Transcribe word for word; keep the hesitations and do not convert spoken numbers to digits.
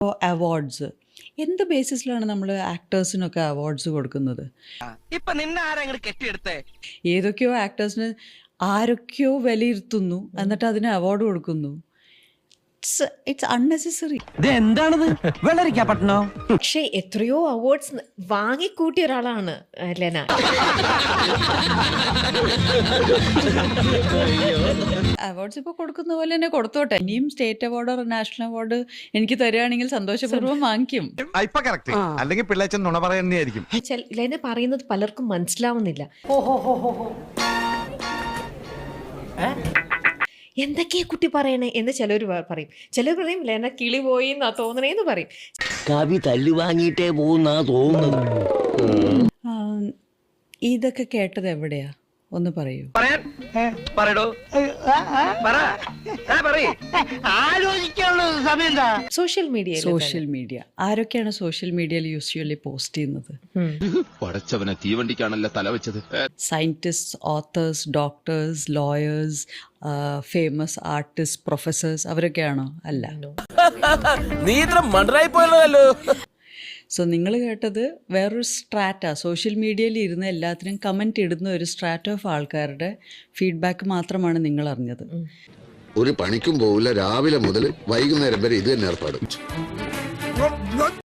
Awards എന്ത് ബേസിസിലാണ് നമ്മൾ ആക്ടേഴ്സിനൊക്കെ awards കൊടുക്കുന്നത്? ഇപ്പൊ നിന്നെ ആരെങ്കിലും കെട്ടിയെടുത്തേ? ഏതൊക്കെയോ ആക്ടേഴ്സിന് ആരൊക്കെയോ വിലയിരുത്തുന്നു, എന്നിട്ട് അതിന് അവാർഡ് കൊടുക്കുന്നു. It's it's unnecessary. എന്താണത്? വെള്ളരിക്കാപ്പട്ടണോ? പക്ഷെ എത്രയോ അവാർഡ്സ് വാങ്ങിക്കൂട്ടിയ ഒരാളാണ് ലെന. അവാർഡ്സ് ഇപ്പോൾ കൊടുക്കുന്ന പോലെ തന്നെ കൊടുത്തോട്ടെ. ഇനിയും സ്റ്റേറ്റ് അവാർഡോ നാഷണൽ അവാർഡ് എനിക്ക് തരികയാണെങ്കിൽ സന്തോഷപൂർവ്വം വാങ്ങിക്കും. അല്ലെങ്കിൽ പിള്ളേച്ചൻ നുണ പറയുന്നതായിരിക്കും. ലെന പറയുന്നത് പലർക്കും മനസ്സിലാവുന്നില്ല. എന്തൊക്കെയാ കുട്ടി പറയണേ എന്ന് ചിലർ പറയും. ചിലർ പറയും ലെന കിളി പോയി എന്നാ തോന്നണേന്ന് പറയും. കവി തല്ലു വാങ്ങിയിട്ടേ പോകുന്നാ തോന്നുന്നത്. ആ, ഇതൊക്കെ കേട്ടത് എവിടെയാ ഒന്ന് പറയൂ. സോഷ്യൽ മീഡിയ സോഷ്യൽ മീഡിയ ആരൊക്കെയാണ് സോഷ്യൽ മീഡിയയിൽ യൂസ്വലി പോസ്റ്റ് ചെയ്യുന്നത്? പടച്ചവനെ തീവണ്ടിക്കാണല്ലോ തല വെച്ചത്. Scientist, authors, doctors, lawyers, famous artist, professors അവരൊക്കെയാണോ? അല്ല. നീ ഇത്ര മണ്ടറായി പോയല്ലോ. സോ നിങ്ങൾ കേട്ടത് വേറൊരു സ്ട്രാറ്റ, സോഷ്യൽ മീഡിയയിൽ ഇരുന്ന് എല്ലാത്തിനും കമൻറ്റ് ഇടുന്ന ഒരു സ്ട്രാറ്റ ഓഫ് ആൾക്കാരുടെ ഫീഡ്ബാക്ക് മാത്രമാണ് നിങ്ങൾ അറിഞ്ഞത്. ഒരു പണിക്കും പോവില്ല, രാവിലെ മുതൽ വൈകുന്നേരം വരെ ഇത് തന്നെ ഏർപ്പാട്.